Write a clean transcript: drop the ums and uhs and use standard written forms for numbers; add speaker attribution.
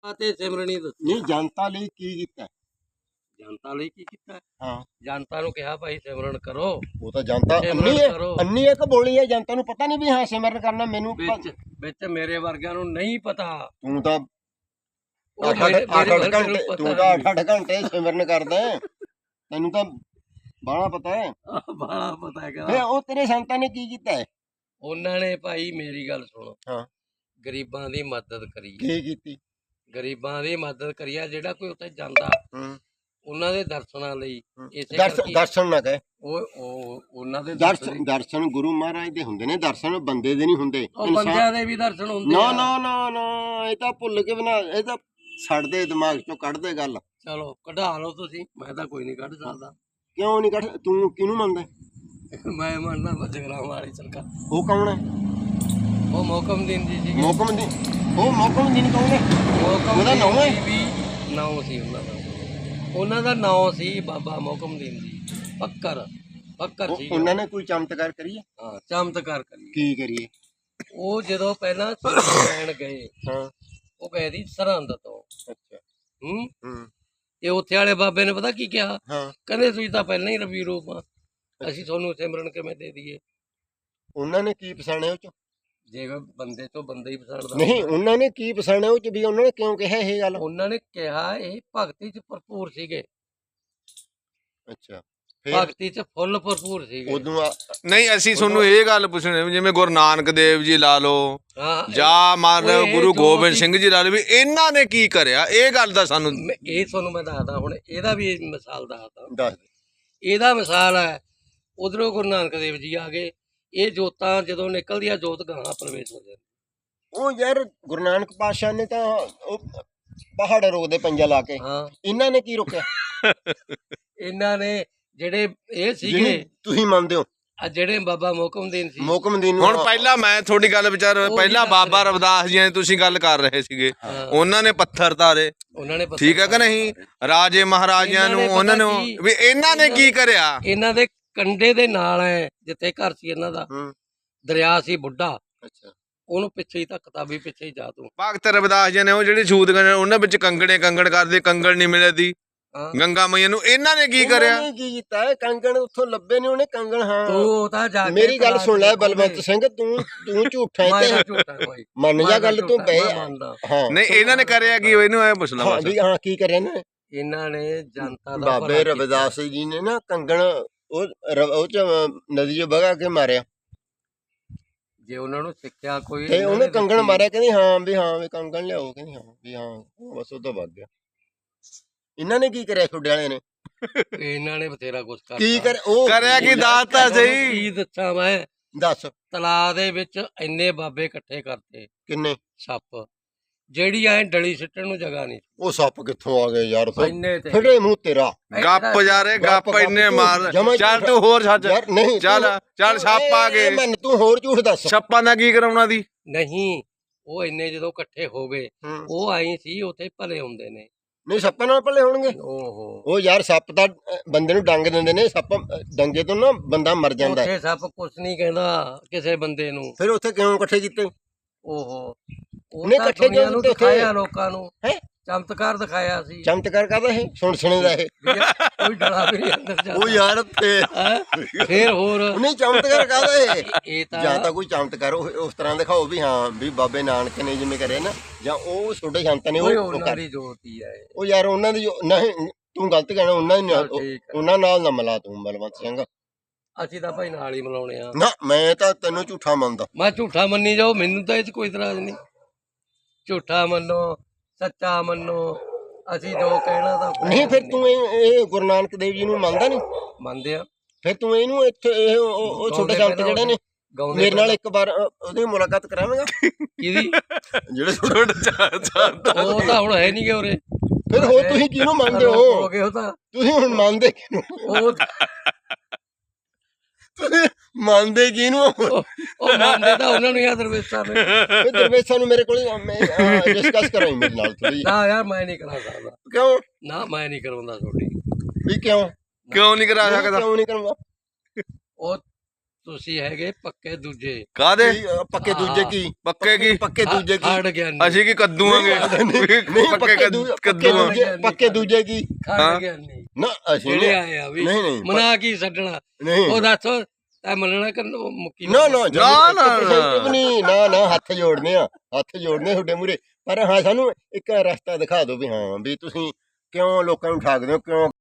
Speaker 1: ਤੇ ਸਿਮਰਨੀ ਦੱਸੀ
Speaker 2: ਨਹੀਂ ਜਨਤਾ ਲਈ ਕੀ ਕੀਤਾ?
Speaker 1: ਜਨਤਾ ਲਈ ਕੀ ਕੀਤਾ?
Speaker 2: ਹਾਂ
Speaker 1: ਜਨਤਾ ਨੂੰ ਕਿਹਾ ਭਾਈ ਸਿਮਰਨ ਕਰੋ।
Speaker 2: ਉਹ ਤਾਂ ਜਨਤਾ
Speaker 1: ਸਿਮਰਨ
Speaker 2: ਅੰਨੀ ਹੈ,
Speaker 1: ਕਰੋ।
Speaker 2: ਅੰਨੀ ਇੱਕ ਬੋਲੀ ਹੈ, ਜਨਤਾ ਨੂੰ ਪਤਾ ਨਹੀਂ ਵੀ ਹਾਂ ਸਿਮਰਨ ਕਰਨਾ। ਮੈਨੂੰ
Speaker 1: ਵਿੱਚ ਮੇਰੇ ਵਰਗਿਆਂ ਨੂੰ ਨਹੀਂ ਪਤਾ।
Speaker 2: ਤੂੰ ਤਾਂ
Speaker 1: ਉਹ
Speaker 2: 8-8 ਘੰਟੇ ਤੂੰ ਤਾਂ 8-8 ਘੰਟੇ ਸਿਮਰਨ ਕਰਦਾ ਹੈ, ਤੈਨੂੰ ਤਾਂ ਬਾਹਲਾ ਪਤਾ ਹੈ।
Speaker 1: ਬਾਲਾ ਪਤਾ ਹੈਗਾ।
Speaker 2: ਫੇ ਉਹ ਤੇਰੇ ਸੰਤਾਂ ਨੇ ਕੀ ਕੀਤਾ ਹੈ?
Speaker 1: ਉਹਨਾਂ ਨੇ ਭਾਈ ਮੇਰੀ ਗੱਲ ਸੁਣੋ,
Speaker 2: ਹਾਂ
Speaker 1: ਗਰੀਬਾਂ ਦੀ ਮਦਦ ਕਰੀ।
Speaker 2: ਕੀ ਕੀਤੀ?
Speaker 1: ਗਰੀਬਾਂ ਦੀ ਮਦਦ ਕਰੀ ਆ। ਜਿਹੜਾ ਕੋਈ ਉੱਥੇ ਜਾਂਦਾ ਉਹਨਾਂ ਦੇ ਦਰਸ਼ਨਾਂ ਲਈ, ਇਸੇ ਕਰਕੇ
Speaker 2: ਦਰਸ਼ਨ ਨਾ ਕਹੇ।
Speaker 1: ਉਹ ਉਹਨਾਂ ਦੇ
Speaker 2: ਦਰਸ਼ਨ ਗੁਰੂ ਮਹਾਰਾਜ ਦੇ ਹੁੰਦੇ ਨੇ, ਦਰਸ਼ਨ ਬੰਦੇ ਦੇ ਨਹੀਂ ਹੁੰਦੇ।
Speaker 1: ਬੰਦਿਆਂ ਦੇ ਵੀ ਦਰਸ਼ਨ ਹੁੰਦੇ
Speaker 2: ਨਾ
Speaker 1: ਆ।
Speaker 2: ਨਾ ਨਾ ਨਾ, ਇਹ ਤਾਂ ਭੁੱਲ ਕੇ ਬਣਾ, ਇਹ ਤਾਂ ਛੱਡਦੇ ਦਿਮਾਗ ਚੋਂ ਕੱਢਦੇ ਗੱਲ।
Speaker 1: ਚਲੋ ਕਢਾ ਲਓ ਤੁਸੀਂ, ਮੈਂ ਤਾਂ ਕੋਈ ਨਹੀਂ ਕੱਢ ਸਕਦਾ।
Speaker 2: ਕਿਉਂ ਨਹੀਂ ਕੱਢ? ਤੂੰ ਕਿਹਨੂੰ ਮੰਨਦਾ?
Speaker 1: ਮੈਂ ਮੰਨਦਾ ਜਗਰਾਵਾਂ ਵਾਲੀ ਸਰਕਾਰ।
Speaker 2: ਉਹ ਕੌਣ ਹੈ?
Speaker 1: ਉਹ ਮੋਕਮਦੀਨ ਜੀ ਸੀ।
Speaker 2: ਮੋਕਮਦੀਨ? ਉਹ ਮੋਕਮਦੀਨ ਕੌਣ ਹੈ? ਉਹਦਾ ਨਾਮ ਹੈ
Speaker 1: ਵੀ ਨਾਮ ਸੀ ਉਹਨਾਂ ਦਾ। ਉਹਨਾਂ ਦਾ ਨਾਮ ਸੀ ਬਾਬਾ ਮੋਕਮਦੀਨ ਜੀ। ਫੱਕਰ ਸੀ।
Speaker 2: ਉਹਨਾਂ ਨੇ ਕੋਈ ਚਮਤਕਾਰ ਕਰੀਏ?
Speaker 1: ਹਾਂ ਚਮਤਕਾਰ ਕਰੀਏ।
Speaker 2: ਕੀ ਕਰੀਏ?
Speaker 1: ਉਹ ਜਦੋਂ ਪਹਿਲਾਂ ਲੈਣ ਗਏ,
Speaker 2: ਹਾਂ
Speaker 1: ਉਹ ਗਏ ਦੀ ਸਰਹੰਦ ਤੋਂ।
Speaker 2: ਅੱਛਾ।
Speaker 1: ਤੇ ਉੱਥੇ ਵਾਲੇ ਬਾਬੇ ਨੇ ਪਤਾ ਕੀ ਕਿਹਾ?
Speaker 2: ਹਾਂ
Speaker 1: ਕਹਿੰਦੇ ਤੁਸੀਂ ਤਾਂ ਪਹਿਲਾਂ ਹੀ ਰੱਬੀ ਰੂਪ ਆ, ਅਸੀਂ ਤੁਹਾਨੂੰ ਸਿਮਰਨ ਕਿਵੇਂ ਦੇ ਦਈਏ?
Speaker 2: ਉਹਨਾਂ ਨੇ ਕੀ ਪਛਾਣਿਆ ਉਹ ਚ?
Speaker 1: ਜੇ ਬੰਦੇ ਤੋਂ ਬੰਦਾ ਹੀ ਪਛਾਣਦਾ
Speaker 2: ਨਹੀਂ, ਉਹਨਾਂ ਨੇ ਕੀ ਪਛਾਣਿਆ ਉਹ ਚ ਵੀ? ਉਹਨਾਂ ਨੇ ਕਿਉਂ ਕਿਹਾ ਇਹ ਗੱਲ?
Speaker 1: ਉਹਨਾਂ ਨੇ ਕਿਹਾ ਇਹ ਭਗਤੀ ਚ ਭਰਪੂਰ ਸੀਗੇ।
Speaker 2: ਅੱਛਾ,
Speaker 1: ਭਗਤੀ ਚ ਫੁੱਲ ਭਰਪੂਰ ਸੀਗੇ।
Speaker 2: ਉਦੋਂ
Speaker 3: ਨਹੀਂ ਅਸੀਂ ਤੁਹਾਨੂੰ ਇਹ ਗੱਲ ਪੁੱਛਣੀ, ਜਿਵੇਂ ਗੁਰੂ ਨਾਨਕ ਦੇਵ ਜੀ ਲਾ ਲਓ ਜਾਂ ਮੰਨ ਲਓ ਗੁਰੂ ਗੋਬਿੰਦ ਸਿੰਘ ਜੀ ਲਾ ਲਓ, ਵੀ ਇਹਨਾਂ ਨੇ ਕੀ ਕਰਿਆ? ਇਹ ਗੱਲ ਦਾ ਸਾਨੂੰ
Speaker 1: ਇਹ ਤੁਹਾਨੂੰ ਮੈਂ ਦੱਸਦਾ। ਹੁਣ ਇਹਦਾ ਵੀ ਮਿਸਾਲ ਦੱਸਦਾ।
Speaker 2: ਦੱਸ।
Speaker 1: ਇਹਦਾ ਮਿਸਾਲ ਹੈ, ਉਧਰੋਂ ਗੁਰੂ ਨਾਨਕ ਦੇਵ ਜੀ ਆ ਗਏ। ਇਹ ਜੋਤਾਂ ਜਦੋਂ ਨਿਕਲਦੀਆਂ, ਜੋਤ ਗਾਹਾਂ ਪ੍ਰਵੇਸ਼ ਹੋ ਜਾਂਦੀ।
Speaker 2: ਉਹ ਯਾਰ ਗੁਰੂ ਨਾਨਕ ਪਾਤਸ਼ਾਹ ਨੇ ਤਾਂ ਉਹ ਪਹਾੜ ਰੋਕਦੇ ਪੰਜਾ ਲਾ ਕੇ।
Speaker 1: ਹਾਂ
Speaker 2: ਇਹਨਾਂ ਨੇ ਕੀ ਰੋਕਿਆ?
Speaker 1: ਇਹਨਾਂ ਨੇ ਜਿਹੜੇ ਇਹ ਸੀਗੇ,
Speaker 2: ਤੁਸੀਂ ਮੰਨਦੇ ਹੋ?
Speaker 1: ਆ ਜਿਹੜੇ ਬਾਬਾ ਮੋਕਮਦੀਨ ਸੀ।
Speaker 2: ਮੋਕਮਦੀਨ
Speaker 3: ਹੁਣ ਪਹਿਲਾਂ ਮੈਂ ਤੁਹਾਡੀ ਗੱਲ ਵਿਚਾਰ, ਪਹਿਲਾਂ ਬਾਬਾ ਰਵਿਦਾਸ ਜੀ ਨੇ ਤੁਸੀਂ ਗੱਲ ਕਰ ਰਹੇ ਸੀਗੇ, ਉਹਨਾਂ ਨੇ ਪੱਥਰ ਧਾਰੇ,
Speaker 1: ਉਹਨਾਂ ਨੇ
Speaker 3: ਠੀਕ ਹੈ ਕਿ ਨਹੀਂ? ਰਾਜੇ ਮਹਾਰਾਜਿਆਂ ਨੂੰ ਉਹਨਾਂ ਨੂੰ ਵੀ ਇਹਨਾਂ ਨੇ ਕੀ ਕਰਿਆ?
Speaker 1: ਇਹਨਾਂ ਦੇ ਕੰਡੇ ਦੇ ਨਾਲ ਹੈ ਜਿੱਥੇ ਘਰ ਸੀ ਇਹਨਾਂ ਦਾ, ਦਰਿਆ ਸੀ ਬੁੱਢਾ।
Speaker 2: ਅੱਛਾ,
Speaker 1: ਉਹਨੂੰ ਪਿੱਛੇ ਹੀ ਧੱਕਤਾ ਵੀ ਪਿੱਛੇ ਹੀ ਜਾ ਤੂੰ।
Speaker 3: ਭਗਤ ਰਵਿਦਾਸ ਜੀ ਨੇ ਉਹ ਜਿਹੜੇ ਛੂਤ ਗਏ ਉਹਨਾਂ ਵਿੱਚ ਕੰਗਣ ਕਰਦੇ, ਕੰਗਣ ਨਹੀਂ ਮਿਲਦੀ ਗੰਗਾ ਮਈਆ ਨੂੰ। ਇਹਨਾਂ ਨੇ ਕੀ ਕਰਿਆ?
Speaker 2: ਕੀ ਕੀਤਾ ਹੈ? ਕੰਗਣ ਉੱਥੋਂ ਲੱਭੇ ਨੇ ਉਹਨੇ ਕੰਗਣ। ਹਾਂ
Speaker 1: ਤੂੰ ਤਾਂ ਜਾ ਕੇ
Speaker 2: ਮੇਰੀ ਗੱਲ ਸੁਣ ਲੈ ਬਲਵੰਤ ਸਿੰਘ, ਤੂੰ ਝੂਠਾ ਹੈ ਤੇ ਮੰਨ ਜਾ ਗੱਲ ਤੂੰ ਪਏ। ਹਾਂ
Speaker 3: ਨਹੀਂ ਇਹਨਾਂ ਨੇ ਕਰਿਆ ਕੀ? ਇਹਨੂੰ ਐ ਪੁੱਛ ਲਾ
Speaker 2: ਹਾਂ ਵੀ ਹਾਂ ਕੀ ਕਰਿਆ ਨੇ?
Speaker 1: ਇਹਨਾਂ ਨੇ ਜਨਤਾ ਦਾ
Speaker 2: ਬਾਬੇ ਰਵਿਦਾਸ ਜੀ ਨੇ ਨਾ ਕੰਗਣ ਉਹ ਚ ਨਦੀ ਚ ਵਗਾ ਕੇ ਮਾਰਿਆ।
Speaker 1: ਜੇ ਉਹਨਾਂ ਨੂੰ ਸਿੱਖਿਆ ਕੋਈ
Speaker 2: ਤੇ ਉਹਨੇ ਕੰਗਣ ਮਾਰਿਆ, ਕਹਿੰਦੀ ਹਾਂ ਵੀ ਕੰਗਣ ਲਿਆਓ, ਕਹਿੰਦੀ ਹਾਂ ਵੀ ਹਾਂ, ਬਸ ਉਹ ਤਾਂ ਵਗ ਗਿਆ। ਇਹਨਾਂ ਨੇ ਕੀ ਕਰਿਆ ਛੋਡੇ ਵਾਲਿਆਂ ਨੇ?
Speaker 1: ਇਹਨਾਂ ਨੇ ਬਥੇਰਾ ਕੁਛ ਕਰਤਾ।
Speaker 2: ਕੀ ਕਰ ਉਹ
Speaker 3: ਕਰਿਆ ਕੀ? ਦੱਸਤਾ ਸਹੀ।
Speaker 1: ਕੀ ਦੱਸਾਂ ਮੈਂ?
Speaker 2: ਦੱਸ।
Speaker 1: ਤਲਾਅ ਦੇ ਵਿੱਚ ਇੰਨੇ ਬਾਬੇ ਇਕੱਠੇ ਕਰਤੇ।
Speaker 2: ਕਿੰਨੇ?
Speaker 1: ਸੱਪ, ਜਿਹੜੀ ਐ ਡਲੀ ਸਿੱਟਣ ਨੂੰ ਜਗ੍ਹਾ ਨਹੀਂ।
Speaker 2: ਉਹ ਸੱਪ ਕਿੱਥੋਂ ਆ ਗਏ ਯਾਰ?
Speaker 1: ਇੰਨੇ ਤੇ
Speaker 2: ਫਿਰੇ ਮੂੰਹ ਤੇਰਾ।
Speaker 3: ਗੱਪ ਜਾ ਰਹੇ, ਗੱਪ ਇੰਨੇ ਮਾਰ। ਚੱਲ ਤੂੰ ਹੋਰ ਛੱਡ
Speaker 2: ਯਾਰ। ਨਹੀਂ
Speaker 3: ਚੱਲ ਸੱਪ ਆ ਗਏ।
Speaker 2: ਮਨ ਤੂੰ ਹੋਰ ਝੂਠ ਦੱਸ।
Speaker 3: ਸੱਪਾਂ ਦਾ ਕੀ ਕਰਾਉਣਾ ਦੀ?
Speaker 1: ਨਹੀਂ, ਉਹ ਇੰਨੇ ਜਦੋਂ ਇਕੱਠੇ ਹੋ ਗਏ, ਉਹ ਆਈ ਸੀ ਉੱਥੇ ਭਲੇ ਹੁੰਦੇ ਨੇ।
Speaker 2: ਨਹੀਂ ਸੱਪਾਂ ਨਾਲ ਭਲੇ ਹੋਣਗੇ?
Speaker 1: ਓਹੋ,
Speaker 2: ਉਹ ਯਾਰ ਸੱਪ ਤਾਂ ਬੰਦੇ ਨੂੰ ਡੰਗ ਦਿੰਦੇ ਨੇ। ਸੱਪ ਡੰਗੇ ਤੋਂ ਨਾ ਬੰਦਾ ਮਰ ਜਾਂਦਾ।
Speaker 1: ਉੱਥੇ ਸੱਪ ਕੁਛ ਨਹੀਂ ਕਹਿੰਦਾ ਕਿਸੇ ਬੰਦੇ ਨੂੰ।
Speaker 2: ਫਿਰ ਉੱਥੇ ਕਿਉਂ ਇਕੱਠੇ ਕੀਤੇ?
Speaker 1: ਓਹੋ,
Speaker 2: ਉਹਨੇ ਇਕੱਠੇ ਕਿਉਂ ਕੀਤੇ?
Speaker 1: ਦਿਖਾਇਆ ਲੋਕਾਂ ਨੂੰ,
Speaker 2: ਹੈ
Speaker 1: ਚਮਤਕਾਰ ਦਿਖਾਇਆ ਸੀ।
Speaker 2: ਚਮਤਕਾਰ ਕਰਦਾ ਇਹ ਸੁਣੇ ਦਾ ਇਹ
Speaker 1: ਕੋਈ ਡਲਾ ਵੀ ਨਹੀਂ ਅੰਦਰ ਜਾਂਦਾ।
Speaker 2: ਉਹ ਯਾਰ
Speaker 1: ਫੇਰ ਹੋਰ
Speaker 2: ਨਹੀਂ ਚਮਤਕਾਰ ਕਰਦਾ
Speaker 1: ਇਹ ਤਾਂ
Speaker 2: ਜਾਂ ਤਾਂ ਕੋਈ ਚਮਤਕਾਰ ਉਸ ਤਰ੍ਹਾਂ ਦਿਖਾਓ ਵੀ ਹਾਂ ਵੀ ਬਾਬੇ ਨਾਨਕ ਨੇ ਜਿਵੇਂ ਕਰਿਆ ਨਾ, ਜਾਂ ਉਹ ਛੋਟੇ ਸੰਤ ਨੇ
Speaker 1: ਉਹਨਾਂ ਦੀ ਜੋਤੀ ਹੈ।
Speaker 2: ਉਹ ਯਾਰ ਉਹਨਾਂ ਦੀ ਨਹੀਂ, ਤੂੰ ਗਲਤ ਕਹਿਣਾ। ਉਹਨਾਂ ਨਾਲ ਨਾ ਮਿਲਾ ਤੂੰ ਬਲਵੰਤ ਸਿੰਘ।
Speaker 1: ਅਸੀਂ ਤਾਂ ਭਾਈ ਨਾਲ ਹੀ ਮਿਲਾਉਣੇ ਆ।
Speaker 2: ਨਾ ਮੈਂ ਤਾਂ ਤੈਨੂੰ ਝੂਠਾ ਮੰਨਦਾ।
Speaker 1: ਮੈਂ ਝੂਠਾ ਮੰਨੀ ਜਾਓ, ਮੈਨੂੰ ਤਾਂ ਇਹ 'ਚ ਕੋਈ ਇਤਰਾਜ਼ ਨਹੀਂ। ਝੂਠਾ ਮੰਨੋ, ਸੱਚਾ ਮੰਨੋ, ਅਸੀਂ ਜੋ ਕਹਿਣਾ ਤਾਂ
Speaker 2: ਨਹੀਂ। ਫਿਰ ਤੂੰ ਇਹ ਗੁਰੂ ਨਾਨਕ ਦੇਵ ਜੀ ਨੂੰ ਮੰਨਦਾ ਨਹੀਂ?
Speaker 1: ਮੰਨਦੇ ਆ।
Speaker 2: ਫਿਰ ਤੂੰ ਇਹਨੂੰ ਇੱਥੇ ਉਹ ਛੋਟੇ ਸੰਤ ਜਿਹੜੇ ਨੇ ਮੇਰੇ ਨਾਲ ਇੱਕ ਵਾਰ ਉਹਦੀ ਮੁਲਾਕਾਤ ਕਰਾਵੇਂਗਾ?
Speaker 1: ਕਿਹਦੀ?
Speaker 2: ਜਿਹੜੇ
Speaker 1: ਉਹ ਤਾਂ ਹੁਣ ਹੈ ਨਹੀਂ ਗੇ ਉਰੇ।
Speaker 2: ਫਿਰ ਹੋਰ ਤੁਸੀਂ ਕਿਹਨੂੰ ਮੰਨਦੇ ਹੋ?
Speaker 1: ਤੁਸੀਂ
Speaker 2: ਹੁਣ ਮੰਨਦੇ ਕਿਹਨੂੰ? ਤੁਸੀਂ ਮੰਨਦੇ ਕਿਹਨੂੰ?
Speaker 1: ਉਹ ਮੰਨਦੇ ਤਾਂ ਉਹਨਾਂ ਨੂੰ ਯਾਰ ਦਰਵੇਸ਼ਾਂ ਨੇ।
Speaker 2: ਦਰਵੇਸ਼ਾਂ ਨੂੰ ਮੇਰੇ ਕੋਲ ਡਿਸਕਸ ਕਰਾਈ ਮੇਰੇ ਨਾਲ ਥੋੜੀ।
Speaker 1: ਨਾ ਯਾਰ ਮੈਂ ਨਹੀਂ ਕਰਾ ਸਕਦਾ।
Speaker 2: ਕਿਉਂ?
Speaker 1: ਨਾ ਮੈਂ ਨਹੀਂ ਕਰਵਾਉਂਦਾ ਤੁਹਾਡੀ।
Speaker 2: ਵੀ ਕਿਉਂ
Speaker 3: ਨਹੀਂ ਕਰਾ ਸਕਦਾ?
Speaker 2: ਕਿਉਂ ਨਹੀਂ ਕਰਵਾ?
Speaker 1: ਉਹ ਤੁਸੀਂ ਹੈਗੇ ਪੱਕੇ ਦੂਜੇ
Speaker 3: ਕਾਦੇ
Speaker 2: ਪੱਕੇ ਦੂਜੇ ਕੀ
Speaker 3: ਪੱਕੇ ਕੀ
Speaker 2: ਪੱਕੇ ਦੂਜੇ ਕੀ
Speaker 1: ਖੜ ਗਿਆਨੀ
Speaker 3: ਅਸੀਂ ਕੀ ਕੱਦੂਆਂਗੇ
Speaker 2: ਨਹੀਂ ਪੱਕੇ ਦੂਜੇ ਕੀ
Speaker 1: ਖੜ ਗਿਆਨੀ
Speaker 2: ਨਾ ਅਸੀਂ
Speaker 1: ਜਿਹੜੇ ਆਏ ਆ ਵੀ
Speaker 2: ਨਹੀਂ ਨਹੀਂ
Speaker 1: ਮਨਾ ਕੀ ਛੱਡਣਾ
Speaker 2: ਨਹੀਂ
Speaker 1: ਉਹ ਦੱਸੋ ਐ ਮੰਨਣਾ ਕਿ ਮੁੱਕੀ
Speaker 2: ਨਾ ਨਾ
Speaker 3: ਨਾ।
Speaker 2: ਨਹੀਂ ਨਾ ਹੱਥ ਜੋੜਨੇ ਆ ਤੁਹਾਡੇ ਮੂਰੇ ਪਰ ਹਾਂ ਸਾਨੂੰ ਇੱਕ ਰਸਤਾ ਦਿਖਾ ਦਿਓ ਵੀ ਹਾਂ ਵੀ ਤੁਸੀਂ ਕਿਉਂ ਲੋਕਾਂ ਨੂੰ ਠਾਕਦੇ ਹੋ ਕਿਉਂ